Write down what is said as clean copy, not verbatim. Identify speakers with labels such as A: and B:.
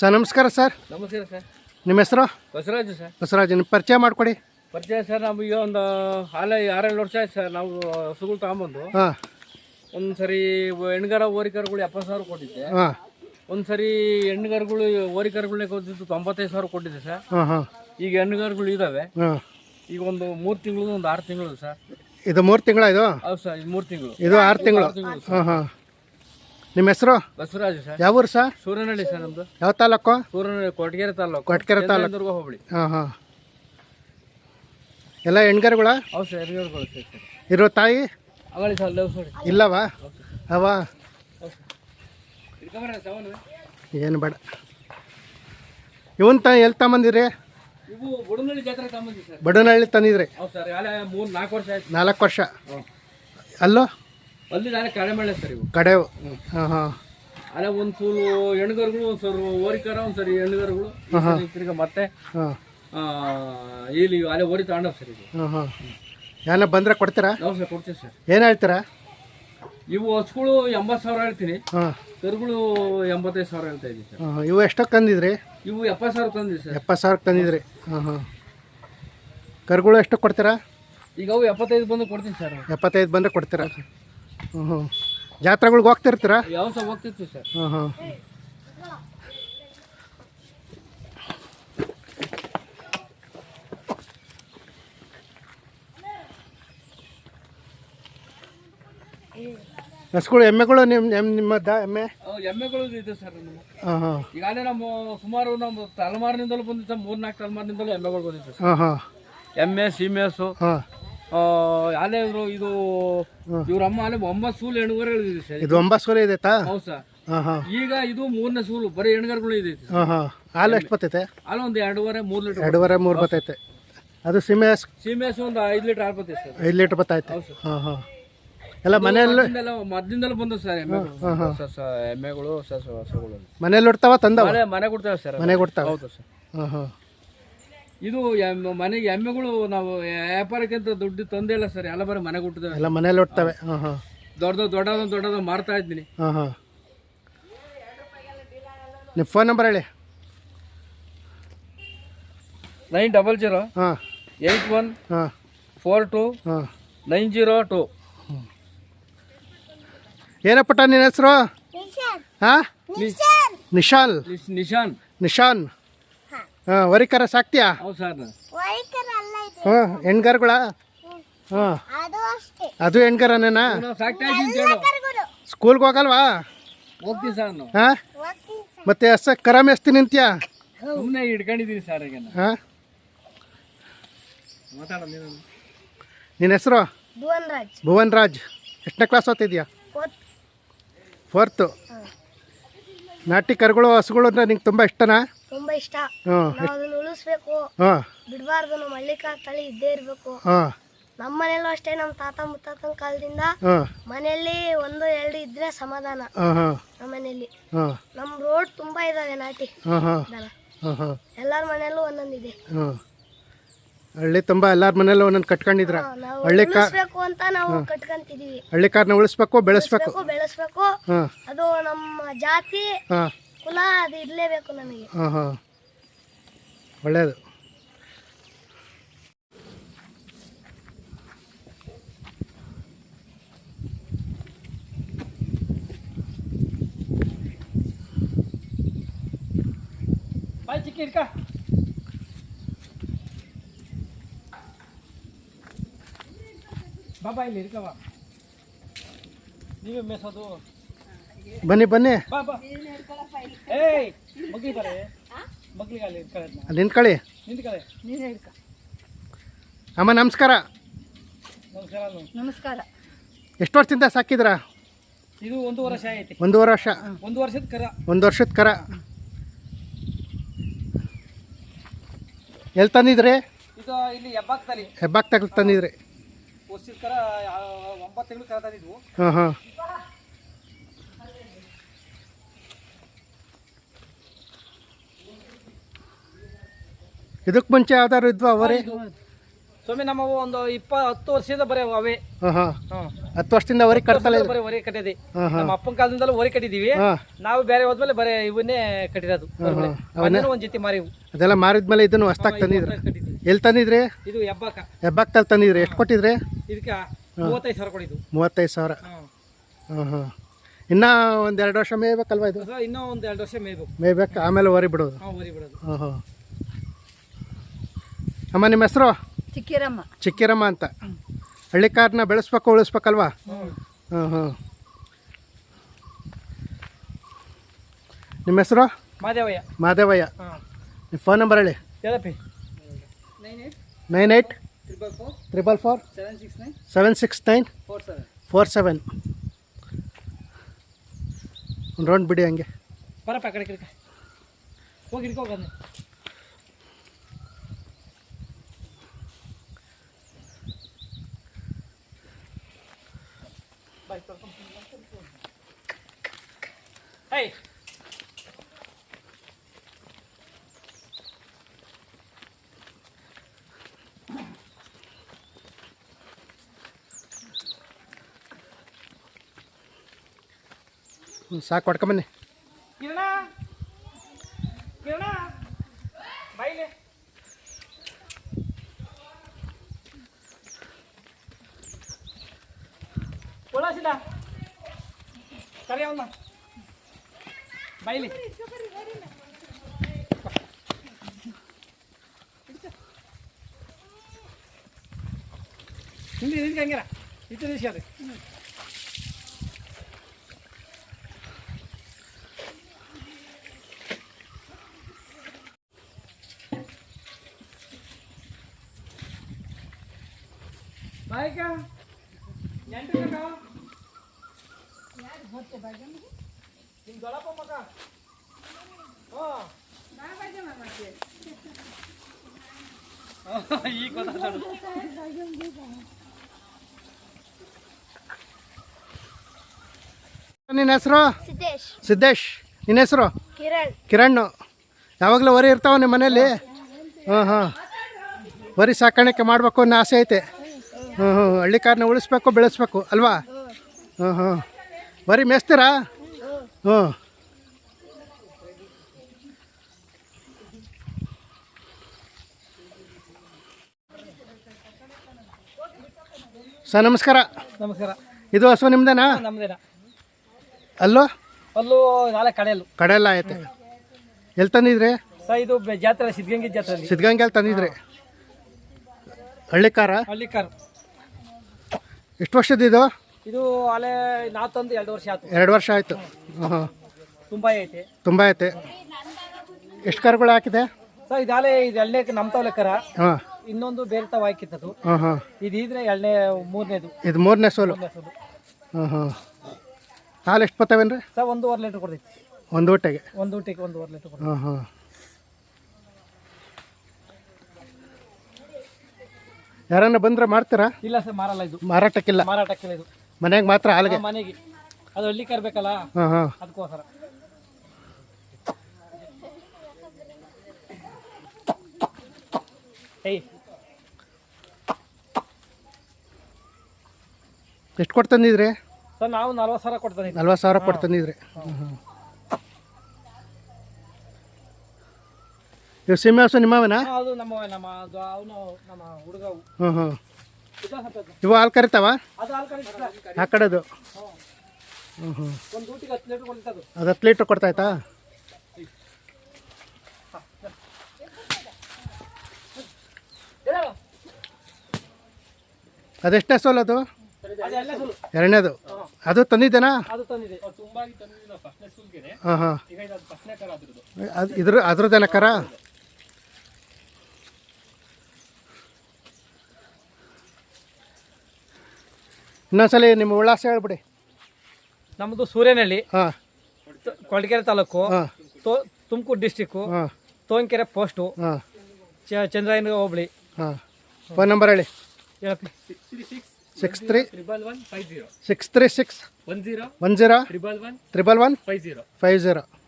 A: Sir ನಮಸ್ಕಾರ sir.
B: ನಮಸ್ಕಾರ sir.
A: ನಿಮ್ಮ ಹೆಸರು?
B: ಬಸವರಾಜು ಸರ್.
A: ಬಸವರಾಜ್, ನಿಮ್ಮ ಪರಿಚಯ ಮಾಡಿಕೊಡಿ.
B: ಪರಿಚಯ ಸರ್, ನಮಗೆ ಒಂದು 6-7 ವರ್ಷ ಆಯ್ತು ಸರ್. ನಾವು ಹಸುಗಳು ತಗೊಂಬಂದು
A: ಹಾಂ
B: ಒಂದು ಸರಿ ಹೆಣ್ಗರ ಓರಿಕರುಗಳು 70,000 ಕೊಟ್ಟಿದ್ದೆ.
A: ಹಾಂ
B: ಒಂದು ಹೆಣ್ಗರುಗಳು ಓರಿಕರುಗಳನ್ನ ಕೊಟ್ಟಿದ್ದು 95,000 ಕೊಟ್ಟಿದ್ದೆ ಸರ್.
A: ಹಾಂ ಹಾಂ
B: ಈಗ ಹೆಣ್ಗರುಗಳು ಇದ್ದಾವೆ.
A: ಹಾಂ
B: ಈಗ ಒಂದು 3 ತಿಂಗಳು, ಒಂದು 6 ತಿಂಗಳು ಸರ್.
A: ಇದು 3 ತಿಂಗಳ? ಇದು
B: ಹೌದು ಸರ್, ಇದು 3 ತಿಂಗಳು.
A: ಇದು 6 ತಿಂಗಳು. ಹಾಂ ಹಾಂ. ನಿಮ್ಮ ಹೆಸರು?
B: ಬಸವರಾಜು ಸರ್.
A: ಯಾವ ಊರು ಸರ್?
B: ಸೂರನಹಳ್ಳಿ ಸರ್ ನಮ್ಮದು.
A: ಯಾವ ತಾಲೂಕು?
B: ಸೂರನಹಳ್ಳಿ, ಕೊಟ್ಗೆರೆ ತಾಲೂಕು.
A: ಕೊಟ್ಗೆರೆ ತಾಲೂಕು.
B: ದುರ್ಗ ಹೋಬಳಿ.
A: ಹಾಂ ಹಾಂ. ಎಲ್ಲ ಹೆಣ್ಗರುಗಳ?
B: ಹೌದು ಸರ್, ಹೆಣ್ಗರುಗಳು ಸರ್.
A: ಇರೋ ತಾಯಿ
B: ಅವಳಿ ಸರ್, ಲವ್ ಸರ್.
A: ಇಲ್ಲವಾ? ಅವ ಏನು ಬೇಡ. ಇವನ್ ಎಲ್ಲಿ ತಗೊಂಬಂದಿರಿ?
B: ಇವು ಬುಡನಹಳ್ಳಿ ಜಾತ್ರೆ ತಗೊಂಬಂದಿ ಸರ್.
A: ಬಡನಹಳ್ಳಿ ತಂದಿದ್ರಿ?
B: ಹೌದು ಸರ್, 3-4 ವರ್ಷ ಆಯ್ತು.
A: 4 ವರ್ಷ. ಅಲ್ಲೋ
B: ಅಲ್ಲಿ ನಾಳೆ ಕಡೆ ಮಾಡಲೆ ಸರ್. ಇವು
A: ಕಡೆವು. ಹಾಂ ಹಾಂ.
B: ಅಲ್ಲ ಒಂದು ಸೂರು ಹೆಣ್ಗರುಗಳು, ಒಂದು ಸರಿ ಓರಿಕರ, ಒಂದು ಸರಿ ಹೆಣ್ಗರುಗಳು. ತಿರ್ಗ ಮತ್ತೆ
A: ಹಾಂ
B: ಇಲ್ಲಿ ಅಲ್ಲೇ ಓರಿ ತಗೊಂಡವ್ ಸರ್. ಇದು
A: ಹಾಂ ಹಾಂ. ಏನ ಬಂದರೆ ಕೊಡ್ತೀರಾ?
B: ನಾವು ಸರ್ ಕೊಡ್ತೀವಿ ಸರ್.
A: ಏನು ಹೇಳ್ತೀರಾ?
B: ಇವು ಹಸುಗಳು 80,000 ಹೇಳ್ತೀನಿ.
A: ಹಾಂ.
B: ಕರುಗಳು 85,000 ಹೇಳ್ತಾ ಇದ್ದೀವಿ ಸರ್.
A: ಹಾಂ. ಇವು ಎಷ್ಟಕ್ಕೆ ತಂದಿದ್ರಿ?
B: ಇವು 70,000 ತಂದಿವಿ ಸರ್.
A: 70,000 ತಂದಿದ್ರಿ? ಹಾಂ ಹಾಂ. ಕರುಗಳು ಎಷ್ಟಕ್ಕೆ ಕೊಡ್ತೀರಾ?
B: ಈಗ ಅವು 75 ಬಂದು ಕೊಡ್ತೀನಿ ಸರ್.
A: 75 ಬಂದರೆ ಕೊಡ್ತೀರಾ? ಹ್ಞೂ ಹ್ಞೂ. ಜಾತ್ರೆಗಳ್ಗೆ ಹೋಗ್ತಿರ್ತೀರಾ?
B: ಯಾವ ಸಹ ಹೋಗ್ತಿರ್ತೀವಿ ಸರ್.
A: ಹಾಂ ಹಾಂ. ಹಸುಗಳು, ಎಮ್ಮೆಗಳು ನಿಮ್ಮದ? ಎಮ್ಮೆ
B: ಎಮ್ಮೆಗಳು ಇದೆ ಸರ್ ನಮ್ಮ.
A: ಹಾಂ ಹಾಂ.
B: ಈಗಾಗಲೇ ನಮ್ಮ ಸುಮಾರು ನಮ್ಮ ತಲೆಮಾರಿನಿಂದಲೂ ಬಂದಿತ್ತು, 3-4 ತಲೆಮಾರಿನಿಂದಲೂ ಎಮ್ಮೆಗಳು ಬಂದಿತ್ತು ಸರ್.
A: ಹಾಂ ಹಾಂ.
B: ಎಮ್ಮೆ, ಸೀಮೆ ಹಸು.
A: ಹಾಂ.
B: ಅಲ್ಲೇ ಇದು ಇವ್ರ ಅಮ್ಮ ಅಲ್ಲೇ 9 ಸೂಲು ಹೆಣ್ಗರುಗಳು ಇದೆ ಸರ್.
A: ಇದು 9 ಸೂಲು ಇದೆ?
B: ಹೌದು ಸರ್.
A: ಹಾಂ ಹಾಂ.
B: ಈಗ ಇದು 3ನೇ ಸೂಲು, ಬರೀ ಹೆಣ್ಗರುಗಳು ಇದೆ.
A: ಹಾಂ ಹಾಂ. ಹಾಲು ಎಷ್ಟು ಬರ್ತೈತೆ?
B: ಹಾಲು ಒಂದು 2.5-3 ಲೀಟರ್.
A: 2.5-3 ಬರ್ತೈತೆ. ಅದು ಸೀಮೆ
B: ಸೀಮೆ ಹಸು ಒಂದು 5 ಲೀಟರ್ ಹಾಲು ಬರ್ತೈತೆ ಸರ್.
A: 5 ಲೀಟರ್ ಬರ್ತೈತೆ. ಹಾಂ ಹಾಂ. ಎಲ್ಲ ಮನೆಯಲ್ಲಿ
B: ಮದ್ದಿಂದಲೂ ಬಂದ ಸರ್ ಎಮ್ಮೆಗಳು, ಹಸುಗಳು.
A: ಮನೇಲಿ ಉಡ್ತಾವ? ತಂದವ?
B: ಮನೆ ಕೊಡ್ತೇವೆ ಸರ್.
A: ಮನೆ ಕೊಡ್ತಾವ?
B: ಹೌದು ಸರ್.
A: ಹಾಂ ಹಾಂ.
B: ಇದು ಮನೆಗೆ ಎಮ್ಮೆಗಳು ನಾವು ವ್ಯಾಪಾರಕ್ಕಿಂತ ದುಡ್ಡು ತಂದೇ ಇಲ್ಲ ಸರ್. ಎಲ್ಲ ಬರೀ ಮನೆ ಕೊಟ್ಟಿದ್ದೇವೆ.
A: ಎಲ್ಲ ಮನೇಲಿ ಉಡ್ತವೆ? ಹಾಂ ಹಾಂ.
B: ದೊಡ್ಡದ ಮಾರ್ತಾ ಇದ್ದೀನಿ.
A: ಹಾಂ ಹಾಂ. ನಿಮ್ಮ ಫೋನ್ ನಂಬರ್ ಹೇಳಿ.
B: 900
A: ಹಾಂ
B: 81
A: ಹಾಂ
B: 42
A: ಹಾಂ
B: 902.
A: ಏನಪ್ಪಟ ನಿನ್ನ ಹೆಸರು? ಹಾಂ ನಿಶಾಲ್. ನಿಶಾನ್. ಹಾಂ. ವರಿಕರ ಸಾಕ್ತಿಯಾ?
B: ಹೌದು ಸರ್.
A: ಹಾಂ. ಹೆಣ್ಗರುಗಳ? ಹಾಂ. ಅದು ಹೆಣ್ಗರನೇನಾ?
B: ಸಾಕ್ತಾ ಇದ್ದೀನಿ.
A: ಸ್ಕೂಲ್ಗೆ ಹೋಗಲ್ವಾ?
B: ಹೋಗ್ತೀವಿ ಸರ್ ನಾವು.
A: ಹಾಂ. ಮತ್ತೆ ಕರ ಮೇಸ್ತಿ ನಿಂತ್ಯಾ?
B: ಸುಮ್ಮನೆ ಹಿಡ್ಕೊಂಡಿದ್ದೀನಿ ಸರ್. ಈಗ
A: ಹಾಂ.
B: ಮಾತಾಡ.
A: ನಿನ್ನ ಹೆಸರು? ಭುವನ್ ರಾಜ್. ಎಷ್ಟನೇ ಕ್ಲಾಸ್ ಓದ್ತಿದ್ಯಾ? 4th. ನಾಟಿ ಕರುಗಳು, ಹಸುಗಳು ಅಂದ್ರೆ ನಿಂಗೆ ತುಂಬ ಇಷ್ಟನಾ?
C: ತುಂಬಾ ಇಷ್ಟ.
A: ಹಾಂ
C: ಅದನ್ನ ಉಳಿಸ್ಬೇಕು,
A: ಹಾಂ
C: ಬಿಡಬಾರ್ದು. ನಮ್ಮ ಹಳ್ಳಿಕಾರ್ ತಳಿ ಇದ್ದೇ ಇರಬೇಕು.
A: ಹಾಂ
C: ನಮ್ಮ ಮನೆಯಲ್ಲೂ ಅಷ್ಟೇ. ನಮ್ಮ ತಾತ ಮುತ್ತಾತನ ಕಾಲದಿಂದ
A: ಹಾಂ
C: ಮನೆಯಲ್ಲಿ 1-2 ಇದ್ರೆ ಸಮಾಧಾನ.
A: ಹಾಂ ಹಾಂ
C: ನಮ್ಮ ಮನೆಯಲ್ಲಿ
A: ಹಾಂ
C: ನಮ್ಮ ರೋಡ್ ತುಂಬಾ ಇದಾವೆ ನಾಟಿ
A: ಹಾಂ ಹಾಂ
C: ದನ.
A: ಹಾಂ ಹಾಂ.
C: ಎಲ್ಲಾರ ಮನೆಯಲ್ಲೂ ಒಂದೊಂದಿದೆ.
A: ಹಾಂ. ಹಳ್ಳಿ ತುಂಬ ಎಲ್ಲರ ಮನೇಲಿ ಒಂದೊಂದು ಕಟ್ಕೊಂಡಿದ್ರ?
C: ನಾವು
A: ಹಳ್ಳಿ
C: ಉಳಿಸ್ಬೇಕು ಅಂತ ನಾವು ಕಟ್ಕೊಂತಿದೀವಿ.
A: ಹಳ್ಳಿ ಕಾರ್ನ ಉಳಿಸ್ಬೇಕು, ಬೆಳೆಸ್ಬೇಕು.
C: ಬೆಳೆಸ್ಬೇಕು.
A: ಹಾಂ
C: ಅದು ನಮ್ಮ ಜಾತಿ,
A: ಹಾಂ
C: ಕುಲ ಅದು ಇರ್ಲೇಬೇಕು ನಮಗೆ.
A: ಹಾಂ ಹಾಂ. ಒಳ್ಳೆಯದು.
B: ಬಾಯ್ ಚಿಕ್ಕಿ ಇಡ್ಕ. ಬಾಬಾ ಇಲ್ಲಿ ಇರ್ಕವ. ನೀವೇ ಮೇಸೋದು.
A: ಬನ್ನಿ ಬನ್ನಿ.
B: ಬಾ ಬಾ. ಏಯ್ ಮಗ್ಲಿ ಬರೇ. ಮಗ್ಲಿಗೆ ಅಲ್ಲಿ ಇರ್ಕೊಳ್ಳಿ.
A: ಅಲ್ಲಿ ನಿಂತ್ಕೊಳ್ಳಿ.
B: ನಿಂತ್ಕೊಳ್ಳಿ. ನೀನೇ ಇಡ್ಕ.
A: ಅಮ್ಮ ನಮಸ್ಕಾರ.
B: ನಮಸ್ಕಾರ.
C: ನಮಸ್ಕಾರ.
A: ಎಷ್ಟು ವರ್ಷದಿಂದ ಸಾಕಿದ್ರಾ?
B: ಇದು 1 ವರ್ಷ ಆಯ್ತು.
A: 1 ವರ್ಷ.
B: 1 ವರ್ಷದ ಕರ.
A: 1 ವರ್ಷದ ಕರ. ಎಲ್ಲಿ ತಂದಿದ್ರಿ?
B: ಇದು ಇಲ್ಲಿ ಹೆಬ್ಬಾಕ್ತಲ್ಲಿ.
A: ಹೆಬ್ಬಾಕ್ತಾಗ ತಂದಿದ್ರಿ?
B: ವರ್ಷದ ಕರ 9 ತಿಂಗಳು ಕರ ತಂದಿದ್ವು.
A: ಹಾಂ ಹಾಂ. ಇದಕ್ಕೆ ಮುಂಚೆ ಯಾವ್ದಾದ್ರು ಇದ್ವಾ ಅವರೇ?
B: ಸ್ವಾಮಿ ನಮ್ಮವು ಒಂದು 10 ವರ್ಷದ ಬರೀ ಅವೇ.
A: ಹಾಂ ಹಾಂ.
B: ಹಾಂ.
A: 10 ವರ್ಷದಿಂದ ವರಿ ಕಟ್ತಲ್ಲ
D: ಬರೀ ಹೊರೆ ಕಟ್ಟಿದೆ.
A: ಹಾಂ ಹಾಂ
D: ನಮ್ಮ ಅಪ್ಪನ ಕಾಲದಿಂದಲೂ ಹೊರೆ ಕಟ್ಟಿದೀವಿ.
A: ಹಾಂ
D: ನಾವು ಬೇರೆ ಹೋದ್ಮೇಲೆ ಬರೀ ಇವನ್ನೇ ಕಟ್ಟಿರೋದು. ಅವನ್ನೇ ಒಂದ್ ಜೊತೆ ಮಾರಿವು.
A: ಅದೆಲ್ಲ ಮಾರಿದ್ಮೇಲೆ ಇದನ್ನು ಹೊಸ್ದಾಗಿ ತಂದಿದ್ರಿ.
D: ಕಟ್ಟಿದ್ವಿ.
A: ಎಲ್ಲಿ ತಂದಿದ್ರಿ?
D: ಇದು ಹೆಬ್ಬಾಕ.
A: ಹೆಬ್ಬಾಕ್ತಲ್ಲಿ ತಂದಿದ್ರಿ. ಎಷ್ಟು ಕೊಟ್ಟಿದ್ರಿ?
D: ಇದಕ್ಕೆ 35,000 ಕೊಡಿದ್ದು.
A: 35,000. ಹಾಂ ಹಾಂ ಇನ್ನೂ ಒಂದು 2 ವರ್ಷ ಮೇಯ್ಬೇಕಲ್ವಾ ಇದು?
D: ಇನ್ನೂ ಒಂದು 2 ವರ್ಷ ಮೇಯ್ಬೇಕು.
A: ಮೇಯ್ಬೇಕು, ಆಮೇಲೆ ವರಿ ಬಿಡೋದು.
D: ಹೊರಿ ಬಿಡೋದು.
A: ಹಾಂ ಹಾಂ ಅಮ್ಮ ನಿಮ್ಮ ಹೆಸರು?
E: ಚಿಕ್ಕಿರಮ್ಮ.
A: ಚಿಕ್ಕಿರಮ್ಮ ಅಂತ. ಹಳ್ಳಿಕಾರನ್ನ ಬೆಳೆಸ್ಬೇಕು ಉಳಿಸ್ಬೇಕಲ್ವಾ? ಹಾಂ ಹಾಂ ನಿಮ್ಮ ಹೆಸರು?
D: ಮಾದೇವಯ್ಯ.
A: ಮಾದೇವಯ್ಯ. ನಿಮ್ಮ ಫೋನ್ ನಂಬರ್ ಹೇಳಿ.
D: ಹೇಳಪ್ಪಿ.
A: 98
D: 444
A: 444 769 47. ಒಂದು ರೌಂಡ್ ಬಿಡಿ ಹಂಗೆ.
D: ಬರಪ್ಪ ಕಡೆ ಕಡೆ ಹೋಗಿ ಹಿಡ್ಕೋಗಂದೆ. ಹೇ
A: ಸಾಕು ಹೊಡ್ಕೊಂಬನ್ನಿ.
D: ಕಿರಣ ಕಿರಣ ಬಾಯಿಲೆ. ಒಳಸಿದ ಕರೆಯವನ್ನ ಬಾಯಿಲಿ. ಹಿಂದೆ ಹಂಗಿರ ಇತ್ತು ದಿವಸ ಅದು. ಬಾಯ್ಕ ಎಂಟು ನಿಮ್ಮ ದೊಡ್ಡಪ್ಪ ಮಗ. ಈಗ ಗೊತ್ತಾಗ್ತದೆ.
A: ನಿನ್ನ ಹೆಸರು?
C: ಸಿದ್ದೇಶ್.
A: ಸಿದ್ದೇಶ್. ನಿನ್ನ ಹೆಸರು?
C: ಕಿರಣ್.
A: ಕಿರಣ್. ಯಾವಾಗಲೂ ವರಿ ಇರ್ತಾವ ನಿಮ್ಮ ಮನೇಲಿ? ಹಾಂ ಹಾಂ ವರಿ ಸಾಕಾಣಿಕೆ ಮಾಡಬೇಕು ಅನ್ನೋ ಆಸೆ ಐತೆ. ಹ್ಞೂ ಹ್ಞೂ ಹಳ್ಳಿಕಾರನ್ನ ಉಳಿಸ್ಬೇಕು ಬೆಳೆಸ್ಬೇಕು ಅಲ್ವಾ? ಹ್ಞೂ ಹ್ಞೂ ವರಿ ಮೇಯ್ಸ್ತೀರಾ? ಹ್ಞೂ ಸರ್ ನಮಸ್ಕಾರ.
D: ನಮಸ್ಕಾರ.
A: ಇದು ಹಸು ನಿಮ್ದೇನಾ?
D: ನಮ್ದೇನ.
A: ಅಲ್ಲೋ
D: ಅಲ್ಲೂ ನಾಳೆ ಕಡೆಯಲ್ಲು
A: ಕಡೆಯೆಲ್ಲ ಐತೆ. ಎಲ್ಲಿ ತಂದಿದ್ರಿ?
D: ಸರ್ ಇದು ಜಾತ್ರೆ ಸಿದ್ಧಗಂಗೆ ಜಾತ್ರೆ.
A: ಸಿದ್ಧಗಂಗೆಲ್ಲಿ ತಂದಿದ್ರಿ? ಹಳ್ಳಿಕಾರ?
D: ಹಳ್ಳಿಕಾರ್.
A: ಎಷ್ಟು ವರ್ಷದಿದು?
D: ಇದು ಅಲ್ಲೇ ನಾವು ತಂದು 2 ವರ್ಷ ಆಯ್ತು.
A: 2 ವರ್ಷ ಆಯಿತು. ಹಾಂ
D: ತುಂಬ ಐತೆ.
A: ತುಂಬ ಐತೆ. ಎಷ್ಟು ಕರುಗಳು ಹಾಕಿದೆ?
D: ಸರ್ ಇದಾಲೆ ಇದು ಎಳ್ಳೆ ನಮ್ಮ ತಾವ್ ಕರ.
A: ಹಾಂ
D: ಇನ್ನೊಂದು ಬೇರೆ ತಾವು ಹಾಕಿತ್ತದು.
A: ಹಾಂ ಹಾಂ
D: ಇದಿದ್ರೆ ಮೂರನೇದು.
A: ಇದು 3ನೇ ಸೋಲು. ಹಾಂ ಹಾಂ ಹಾಲು ಎಷ್ಟು ಬರ್ತವೇನ್ರಿ?
D: ಸರ್ 1.5 ಲೀಟ್ರ್ ಕೊಡ್ತೈತಿ
A: ಒಂದು ಹೊಟ್ಟೆಗೆ.
D: ಒಂದು ಊಟಕ್ಕೆ 1.5 ಲೀಟ್ರ್ ಕೊಡ್ತೈತಿ.
A: ಹಾಂ ಹಾಂ ಯಾರನ್ನ ಬಂದ್ರೆ ಮಾಡ್ತೀರಾ?
D: ಇಲ್ಲ ಸರ್ ಮಾರಲ್ಲ ಇದು.
A: ಮಾರಾಟಕ್ಕಿಲ್ಲ?
D: ಮಾರಾಟಕ್ಕಿಲ್ಲ ಇದು.
A: ಮನೆಗೆ ಮಾತ್ರ ಹಾಲಿಗೆ?
D: ಮನೆಗೆ ಅದು ಹಳ್ಳಿ ಕರ್ಬೇಕಲ್ಲ
A: ಹಾಂ ಹಾಂ
D: ಅದಕ್ಕೋಸ್ಕರ.
A: ಎಷ್ಟು ಕೊಟ್ಟು ತಂದಿದ್ರಿ?
D: ಸರ್ ನಾವು 40,000 ಕೊಡ್ತಾನೆ.
A: 40,000 ಕೊಟ್ಟು ತಂದಿದ್ರಿ. ಹಾಂ ಹಾಂ ಇವು ಸೀಮೆ ಹಸು ನಿಮ್ಮವೇನಾ?
D: ಅದು ನಮ್ಮ ಅವನು ನಮ್ಮ ಹುಡುಗ.
A: ಹಾಂ ಹಾಂ ಇವು ಹಾಲು ಕರಿತಾವ?
D: ಅದು ಹಾಲು ಕರೀತಾರೆ
A: ಆ ಕಡೆದು. ಹ್ಞೂ ಹ್ಞೂ
D: ಒಂದು ಊಟಿಗೆ 10 ಲೀಟ್ರ್ ಕೊಡ್ತದೆ.
A: ಅದು 10 ಲೀಟ್ರ್ ಕೊಡ್ತಾಯ್ತಾ? ಅದೆಷ್ಟೇ ಸೋಲು ಅದು? ಎರಡನೇದು. ಅದು ತಂದಿದ್ದೇನಾ?
D: ಅದು ತಂದಿದೆ.
A: ಹಾಂ ಹಾಂ ಅದು ಅದ್ರದ್ದೇನ ಕರ? ಇನ್ನೊಂದ್ಸಲಿ ನಿಮ್ಮ ಉಲ್ಲಾಸ ಹೇಳ್ಬಿಡಿ.
D: ನಮ್ಮದು ಸೂರ್ಯನಹಳ್ಳಿ,
A: ಹಾಂ
D: ಕೊಳಗೆರೆ ತಾಲೂಕು,
A: ಹಾಂ
D: ತುಮಕೂರು ಡಿಸ್ಟಿಕ್ಕು,
A: ಹಾಂ
D: ತೋಂಕೆರೆ ಪೋಸ್ಟು,
A: ಹಾಂ
D: ಚಂದ್ರಾಯನ ಹೋಬಳಿ.
A: ಹಾಂ ಫೋನ್ ನಂಬರ್ ಹೇಳಿ.
D: ಹೇಳಪ್ಪಿ.
A: 63 636 10 11 11 50.